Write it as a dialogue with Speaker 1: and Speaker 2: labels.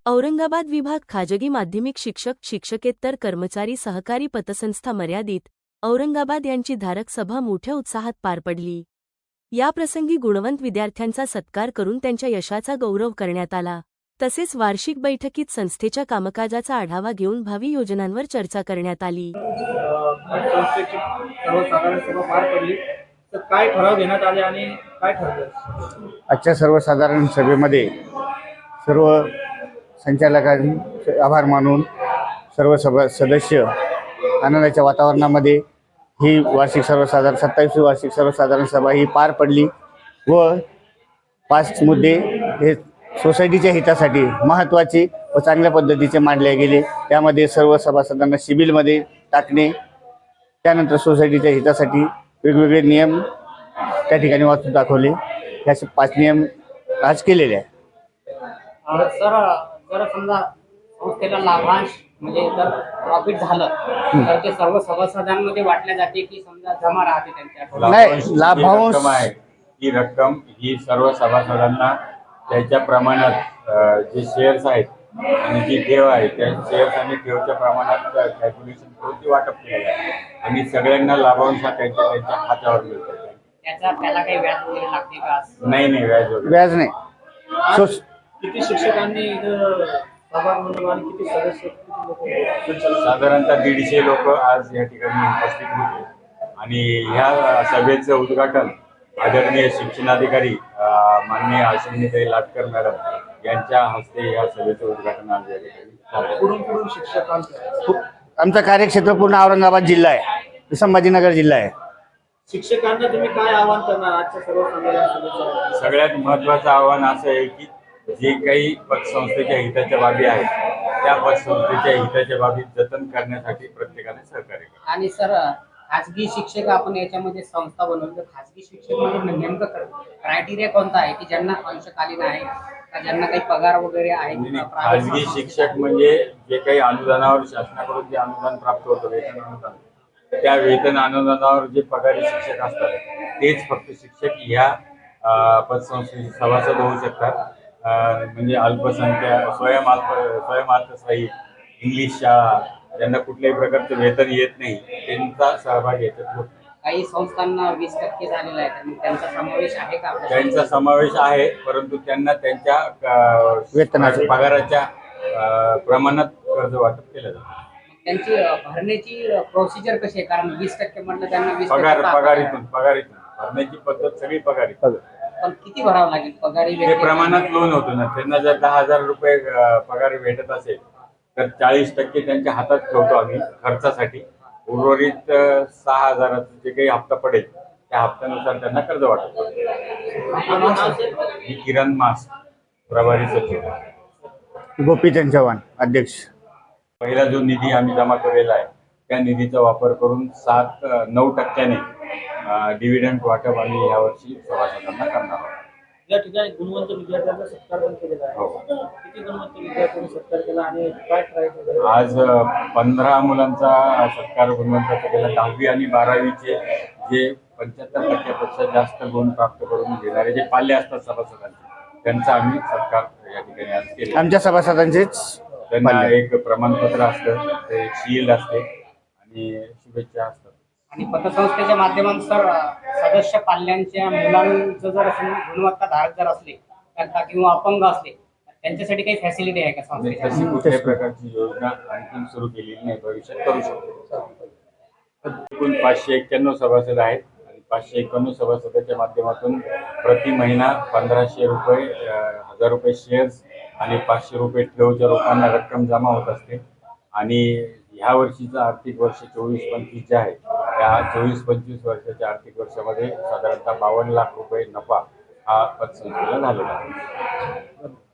Speaker 1: औरंगाबाद विभाग खाजगी माध्यमिक शिक्षक शिक्षकेतर कर्मचारी सहकारी पतसंस्था मर्यादित औरंगाबाद यांची धारक सभा मोठ्या उत्साहात पार पडली। याप्रसंगी गुणवंत विद्यार्थ्यांचा सत्कार करून त्यांच्या यशाचा गौरव करण्यात आला। तसेच वार्षिक बैठकीत संस्थेच्या कामकाजाचा आढावा घेऊन भावी योजनांवर चर्चा करण्यात आली।
Speaker 2: काय ठराव घेण्यात आले आणि काय ठरलं?
Speaker 3: आजच्या सर्वसाधारण सभेमध्ये सर्व संचालकांचे आभार मानून सर्व सदस्य आनंदाच्या वातावरणामध्ये ही वार्षिक सर्वसाधारण 27वी वार्षिक सर्वसाधारण सभा ही पार पडली व 5 मुद्दे हे सोसायटीच्या हितासाठी महत्त्वाचे व चांगल्या पद्धतीचे मांडले गेले। त्यामध्ये सर्व सभासदांना सिबिलमध्ये टाकणे, त्यानंतर सोसायटीच्या हितासाठी वेगवेगळे नियम त्या ठिकाणी वाचून दाखवले। याचे 5 नियम आज केलेले आहे।
Speaker 2: सर, जर समजा संस्थेला लाभांश म्हणजे जर प्रॉफिट झालं तर ते सर्व सभासदांमध्ये वाटल्या जाते की समजा जमा राहते त्यांच्या?
Speaker 3: नाही, लाभांश
Speaker 4: आहे ही रक्कम ही सर्व सभासदांना त्याच्या प्रमाणात जे शेअर्स आहेत आणि जी ठेव आहे त्या शेअर्स आणि ठेवच्या प्रमाणात कॅल्क्युलेशन करून ती वाटप केली आहे आणि सगळ्यांना लाभांश हा त्यांच्या खात्यावर मिळतो।
Speaker 2: त्याला काही व्याज वगैरे लागते का?
Speaker 4: नाही,
Speaker 3: व्याज नाही।
Speaker 2: किती शिक्षकांनी सहभाग नोंदवला आणि किती सदस्य
Speaker 4: साधारणतः 150 लोक आज या ठिकाणी उपस्थित होते आणि ह्या सभेचं उद्घाटन आदरणीय शिक्षणाधिकारी माननीय अश्विनीताई लाटकर मॅडम यांच्या हस्ते या सभेचं उद्घाटन आज या ठिकाणी झालं।
Speaker 2: कुठून शिक्षकांचं
Speaker 3: आमचा कार्यक्षेत्र पूर्ण औरंगाबाद जिल्हा आहे, संभाजीनगर जिल्हा आहे।
Speaker 2: शिक्षकांना तुम्ही काय आवाहन करणार आजच्या सर्वसाधारण सभेचं?
Speaker 4: सगळ्यात महत्त्वाचं आव्हान असं आहे की जे काही पतसंस्थेच्या हिताच्या बाबी आहेत त्या पतसंस्थेच्या हिताच्या बाबी जतन करण्यासाठी प्रत्येकाने सहकार्य करावे।
Speaker 2: आणि सर, खाजगी शिक्षक आपण याच्यामध्ये संस्था बनवली तर खाजगी शिक्षक म्हणजे नेमकं क्रायटेरिया कोणता आहे की ज्यांना अंशकालीन आहे का, ज्यांना काही पगार वगैरे आहे?
Speaker 4: खाजगी शिक्षक म्हणजे जे काही अनुदानावर शासनाकडून जे अनुदान प्राप्त होतं, वेतन अनुदान, त्या वेतन अनुदानावर जे पगारी शिक्षक असतात तेच फक्त शिक्षक ह्या पतसंस्थेचे सभासद होऊ शकतात। म्हणजे अल्पसंख्याक स्वयंअर्थसहाय्यित इंग्लिश शाळा ज्यांना कुठल्याही प्रकारचं वेतन येत नाही त्यांचा सहभाग याच्यात होतो।
Speaker 2: काही संस्थांना 20% झालेला आहे, तर मग त्यांचा समावेश आहे का?
Speaker 4: त्यांचा समावेश आहे, परंतु त्यांना त्यांच्या
Speaker 3: वेतनाच्या
Speaker 4: पगाराच्या प्रमाणात कर्ज वाटप केलं जातं।
Speaker 2: त्यांची भरण्याची प्रोसिजर कशी आहे? कारण 20% म्हटलं त्यांना 20%
Speaker 4: पगारीतून भरण्याची पद्धत सगळी पगारीतून।
Speaker 2: पण किती भरावं लागेल पगारी?
Speaker 4: ते प्रमाणात लोन होतं ना, त्यांना जर 10,000 रुपये पगार भेटत असेल तर 40% त्यांच्या हातात ठेवतो आम्ही खर्चासाठी। उर्वरित 6,000 जे काही हप्ता पडेल त्या हप्त्यानुसार त्यांना कर्ज वाटप करतो। मी किरण मास, प्रभारी सचिव।
Speaker 3: गोपीचंद चव्हाण, अध्यक्ष।
Speaker 4: पहिला जो निधी आम्ही जमा केलेला आहे त्या निधीचा वापर करून 9% डिव्हिडंड वाटप आम्ही यावर्षी सभासदांना करणार आहोत।
Speaker 2: या ठिकाणी गुणवंत विद्यार्थ्यांचा सत्कार पण केलेला आहे। किती गुणवंत विद्यार्थ्यांनी सत्कार केला आणि काय प्राईज?
Speaker 4: आज 15 मुलांचा सत्कार गुणवंताचा केला। 10वी आणि 12वीचे जे 75% जास्त गुण प्राप्त करून घेणारे जे पाल्य असतात सभासदांचे त्यांचा आम्ही सत्कार या ठिकाणी आज केला।
Speaker 3: आमच्या सभासदांचेच
Speaker 4: त्यांना एक प्रमाणपत्र असतं, एक शील्ड असते आणि शुभेच्छा असतात।
Speaker 2: आणि पतसंस्थेच्या माध्यमातून सर, सदस्य पाल्यांच्या मुलांचं जर गुणवत्ता धारक जर असले तर किंवा अपंग असले तर त्यांच्यासाठी काही फॅसिलिटी आहे का संस्थेच्या?
Speaker 4: तशी कुठल्याही प्रकारची योजना आणखी सुरू केलेली नाही, भविष्यात करू शकतो। एकूण 591 सभासद आहेत आणि 591 सभासदाच्या माध्यमातून प्रति महिना 1500 रुपये 1000 रुपये शेअर्स आणि 500 रुपये ठेवच्या रोखांना रक्कम जमा होत असते। आणि ह्या वर्षीचं आर्थिक वर्ष 24-25 जे आहे त्या 24-25 वर्षाच्या आर्थिक वर्षामध्ये साधारणतः 52 लाख रुपये नफा हा पतसंस्थेला झालेला आहे।